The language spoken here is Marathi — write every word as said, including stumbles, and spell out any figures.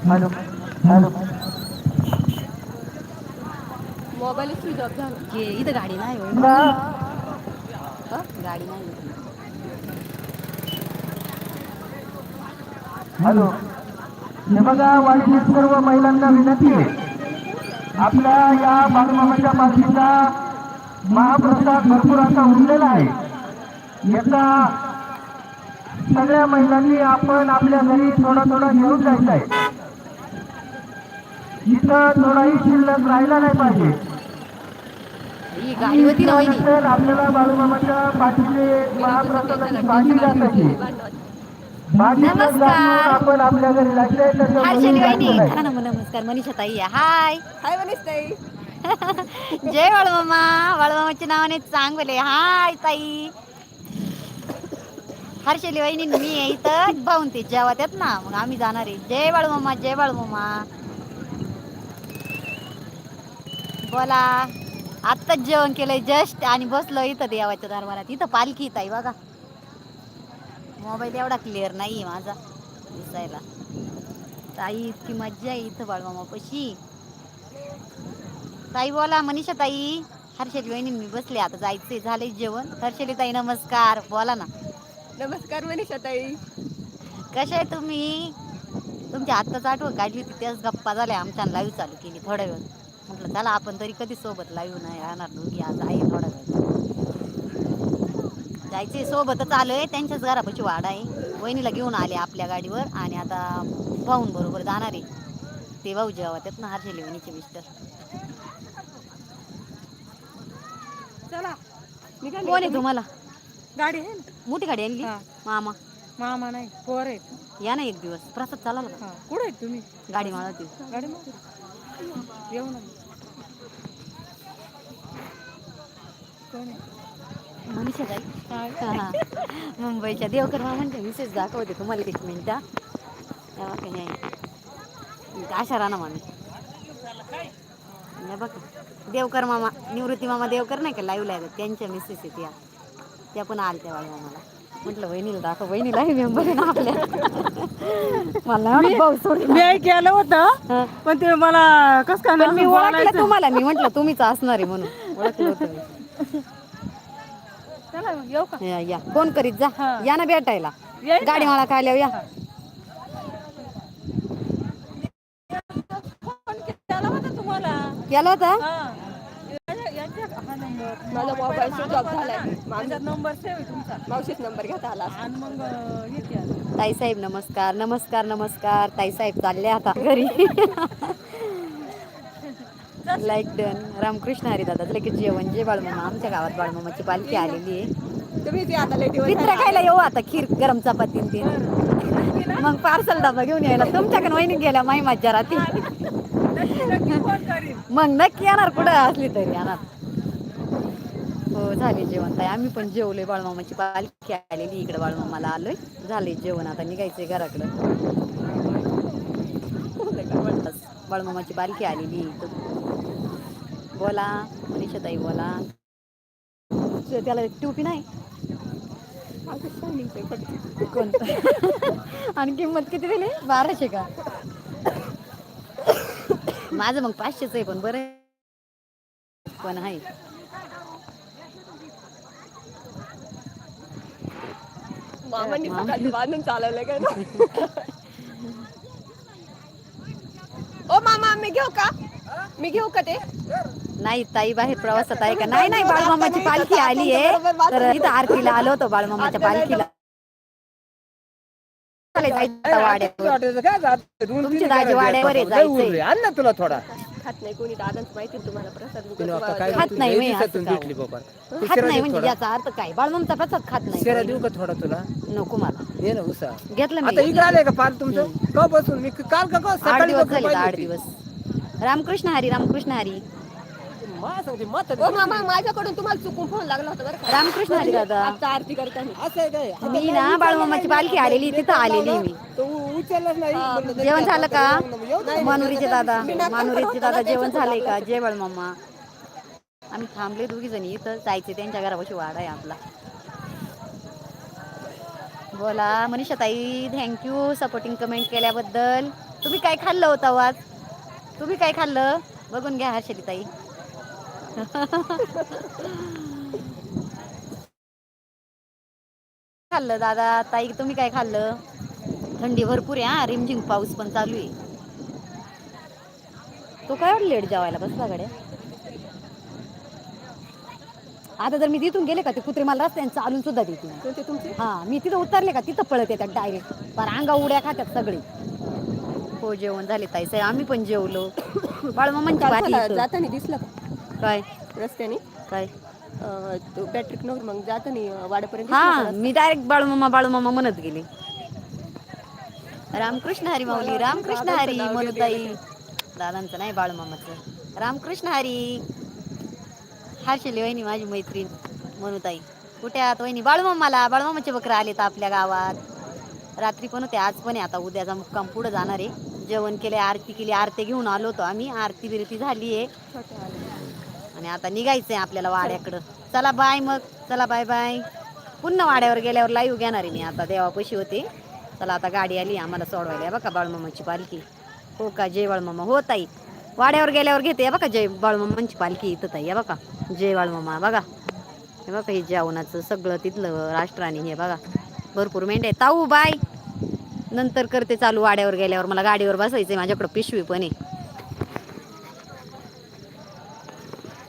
Hello hello. Mobile switch off झाला. घे इथं गाडी नाही होय का? अ गाडी नाही इथं. हॅलो. हे बघा वाडीतील सर्व महिलांना विनंती आहे. आपल्या या बाळूमामाच्या पालखीचा महाप्रसाद भरपूर असा उरलेला आहे. याचा सगळ्या महिलांनी आपण आपल्या घरी थोडा थोडा घेऊन जायचा आहे. इथं थोडाही शिल्लक राहिला नाही पाहिजे. ही गाडी आणि होती ना वहिनी. त्यानंतर आपल्याला बाळूमामाच्या पाठीचे महाप्रसादाची भाजी घासायची. भाजीतच घालून नमस्कार. आपण आपल्या घरी जायचंय तसं कोणीही हर्षली वहिनी जायचं नाही. धरा ना मग नमस्कार मनीषा ताई हाय. हाय मनीष ताई. जय बाळूमामा बाळूमामाच्या नावाने चांगले हाय ताई. हर्षली वहिनी मी आहे इथं भाऊन ते जेवत आहेत ना मग आम्ही जाणार आहे. जय बाळूमामा जय बाळूमामा. बोला. आत्ताच जेवण केलंय जस्ट आणि बसलो इथं देवाच्या दरबारात इथं पालखी येत आहे बघा. मोबाईल एवढा क्लिअर नाहीये माझा दिसायला. ताई इतकी मज्जा आहे इथं बाळूमामापशी. ताई बोला मनीषा ताई. हर्षली वहिनी मी बसले आता जायचंय झालंय जेवण हर्षली ताई नमस्कार बोला ना. नमस्कार मनीषा ताई. कशा आहे तुम्ही. तुमची आत्ताच आठवण काढली होती त्याच गप्पा झाल्या आमच्या लाईव्ह चालू केली थोड्या वेळ. म्हटलं चला आपण तरी कधी सोबत लाईव्ह नाही राहणार दोघी आज आहे थोडा वेळ. जायचे सोबतच आलोय त्यांच्याच घरापाशी वाडा आहे. वहिनीला घेऊन आले आपल्या गाडीवर आणि आता भाऊन बरोबर जाणार आहे. ते भाऊ जेवत ना हर्षली वहिनीचे मिस्टर. चला निघाले का कोण आहे तुम्ही? तुम्हाला. गाडी आहे ना. मोठी गाडी आणली हा. मामा. मामा नाही पोर आहेत. या ना एक दिवस प्रसाद चालाल का. हा. कुठे आहेत तुम्ही? गाडी माळवती. गाडी मागे येऊ ना. कोण आहे? मनीषा हा ताई का? हा मुंबईच्या देवकर मामांच्या मिसेस दाखवते तुम्हाला एक मिनिट. आशा राणा मामी. हे बघ देवकर मामा निवृत्ती मामा देवकर नाही का लाईव्ह ला आहेत त्यांच्या मिसेस आहेत या. त्या पण आलत्या बाळूमामाला म्हटलं वहिनीला दाखव वहिनीला आहे मेंबर आहे ना आपल्या. मला नाही मी वाटत भाऊ सोडून मी केलं हा. होतं पण ते मला कस काय पण मी ना ओळखलं बोलायचं. तुम्हाला मी म्हंटलं तुम्हीच असणार आहे म्हणून ओळखलं होतं मी. चला मग येऊ का? या या फोन करीत जा हा. या ना भेटायला येईन गाडी ना. मला खायल्यावर या. हा. फोन केला होता तुम्हाला. केला होता. हा. हा नंबर माझा मोबाईल स्विच ऑफ झालाय. माझा नंबर सेव्ह आहे तुमचा. मावशीच नंबर घेता आला असता. आणि मग हे केलं. ताईसाहेब नमस्कार नमस्कार नमस्कार ताईसाहेब चालले आता घरी. लाईक डन रामकृष्ण हरी दादा लगेच जेवण जे बाळूमामा आमच्या गावात बाळूमामाची पालखी आलेली आहे. पित्र खायला येऊ आता खीर गरम चपाती न ते मग पार्सल डबा घेऊन यायला तुमच्याकडे वहिनी गेल्या माही मज्जा राहती. मग नक्की येणार कुठं असली तरी येणार. हो झाले जेवण ताई आम्ही पण जेवलोय बाळूमामाची पालखी आलेली इकडे बाळूमामाला आलोय. झालंय जेवण आता निघायचंय घराकडं. बाळूमामाची पालखी आलेली इथं. बोला मनीषा ताई बोला. त्याला टोपी नाही. कोणत आणि किंमत किती दिली बाराशे का. माझं मग पाचशेच आहे पण बरं पण आहे. मामांनी मामा सकाळचं बांधून चालवलं काय ना. ओ मामा मी घेऊ का मी घेऊ का ते. नाही ताई बाहेर प्रवासात आहे का नाही नाही बाळूमामाची पालखी आलीय तर इथं आरतीला आलो होतो बाळूमामाच्या पालखीला. वाड्यावर तुमची दाजी वाड्यावर आहे जायचंय. आण ना तुला थोडा. खात नाही कोणी दादांच माहिती तुम्हाला प्रसाद खात नाही मी असं का भेटली बाबा. खात नाही म्हणजे याचा अर्थ काय बाळूमामाचा प्रसाद खात नाही. शिरा देऊ का थोडा तुला. नको मला ये ना उसा घेतलं मी आता इकडे आलंय का पाल तुमचं का बसून मी काल का आठ सकाळी दिवस बसून झाले पाहिली आठ होती. दिवस. रामकृष्ण हरी रामकृष्ण हरी. ओ मामा माझ्याकडून तुम्हाला चुकून फोन लागला होता बरं का. रामकृष्ण हरी दादा. आता आरती करताना असं आहे काय. मी ना बाळूमामाची पालखी आलेली तिथं आलेली मी. उचललाच नाही. जेवण झालं का मानुरीचे दादा मानुरीचे दादा जेवण झालंय का जय बाळूमामा. आम्ही थांबले दोघी जणी इथं जायचे त्यांच्या घरापाशी वाडा आहे आपला. बोला मनीषा ताई, थँक्यू सपोर्टिंग कमेंट केल्याबद्दल. तुम्ही काय खाल्लं होतं आज? तुम्ही काय खाल्लं बघून घ्या हर्षदी ताई. खाल्लं दादा ताई तुम्ही काय खाल्लं? थंडी भरपूर आहे हा, रिमझिम पाऊस पण चालू आहे. तो काय एवढा लेट जेवायला बसला गड्या? आता जर मी तिथून गेले का ते कुत्रे मला रस्त्याने चालून सुद्धा देतील. हा मी तिथं उतरले का तिथं पळत येतात डायरेक्ट. पर अंगा उड्या खात्यात सगळे. हो जेवण झाले ताई साहेब, आम्ही पण जेवलो. बाळमामांची भाजी इथं. जाताना दिसलं का काय रस्त्याने? काय अं, तो पॅट्रिक नवर मग जाताना वाड्यापर्यंत दिसला का हा रस्ता? मी डायरेक्ट बाळूमामा बाळूमामा म्हणत गेले. रामकृष्ण हरी मला माऊली, वाटलं रामकृष्ण दादांचं हरी नाव घेत गेले मनुताई. काय. दादांचं नाही बाळूमामाचं. रामकृष्ण हरी. हर्षली वहिनी माझी मैत्रीण मनुताई. कुठे आहात वहिनी? बाळूमामाला बाळूमामाचे बकरं आलेत आपल्या गावात. रात्री पण होते, आज पण आहे. आता उद्याचा मुक्काम पुढे जाणार आहे. जेवण केले, आरती केली, आरती घेऊन आलो होतो आम्ही. आरती बिरती झाली आहे छोट्या आले. आणि आता निघायचंय आपल्याला वाड्याकडं. चला बाय मग, चला बाय बाय. पुन्हा वाड्यावर गेल्यावर लाईव्ह घेणार आहे मी. आता देवापाशी होते. चला आता गाडी आली आम्हाला सोडवायला. बघा बाळूमामाची पालखी. हो का जय बाळूमामा. हो ताई वाड्यावर गेल्यावर घेते बघा जय बाळूमामांची पालखी इथं ताई. बघा जय बाळूमामा बघा. हे बघा हे जेवणाचं सगळं तिथलं राष्ट्राने. हे बघा भरपूर मेंढ्या ताऊ बाय. नंतर करते चालू वाड्यावर गेल्यावर. मला गाडीवर बसायचंय, माझ्याकडं पिशवी पण आहे.